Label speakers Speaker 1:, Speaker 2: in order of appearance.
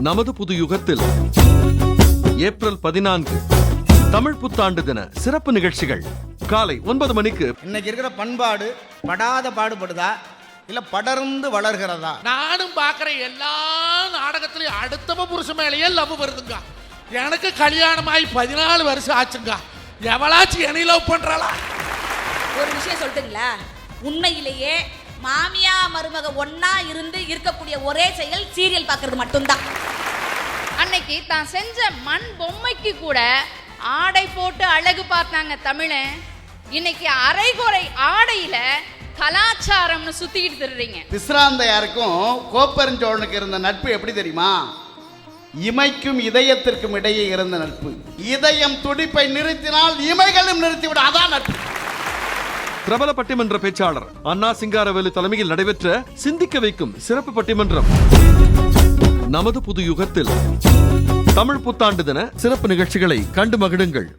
Speaker 1: நமது புது யுகத்தில் ஏப்ரல் 14 தமிழ் புத்தாண்டு தின சிறப்பு நிகழ்ச்சிகள் காலை 9 மணிக்கு.
Speaker 2: இன்னைக்கு இருக்கிற பண்பாடு படாத பாடுபடுதா இல்ல படர்ந்து வளர்கிறதா?
Speaker 3: நானும் பாக்குற எல்லா நாடகத்திலையும் அடுத்தவ புருஷன் மேலேயே லவ் வருதுங்க. எனக்கு கல்யாணமாயி 14 வருஷம் ஆச்சுங்க. எவளாச்சும் என்னை லவ் பண்றாளா?
Speaker 4: ஒரு விஷயம் சொல்லிட்டுங்களா, உண்மையிலேயே மாமியா மருமக ஒன்னா இருந்து இருக்கக்கூடிய ஒரே செயல் சீரியல் பார்க்கறது மட்டும்தான்.
Speaker 5: அன்னைக்கு தான் செஞ்ச மண் பொம்மைக்கு கூட ஆடை போட்டு அழகு பார்த்தாங்க தமிழன். இன்னைக்கு அரைகுறை ஆடையில கலாச்சாரம்னு சுத்திக்கிட்டு திரிறீங்க.
Speaker 2: விஸ்ராந்தையாருக்கும் கோப்பெருஞ்சோழனுக்கு இருந்த நட்பு எப்படி தெரியுமா? இமைக்கும் இதயத்திற்கும் இடையே இருந்த நட்பு. இதயம் துடிப்பை நிறுத்தினால் இமைகளும் நிறுத்திவிடும், அதான் நட்பு.
Speaker 1: பிரபல பட்டிமன்ற பேச்சாளர் அண்ணா சிங்காரவேலு தலைமையில் நடைபெற்ற சிந்திக்க வைக்கும் சிறப்பு பட்டிமன்றம். நமது புது யுகத்தில் தமிழ் புத்தாண்டு தின சிறப்பு நிகழ்ச்சிகளை கண்டு மகிழுங்கள்.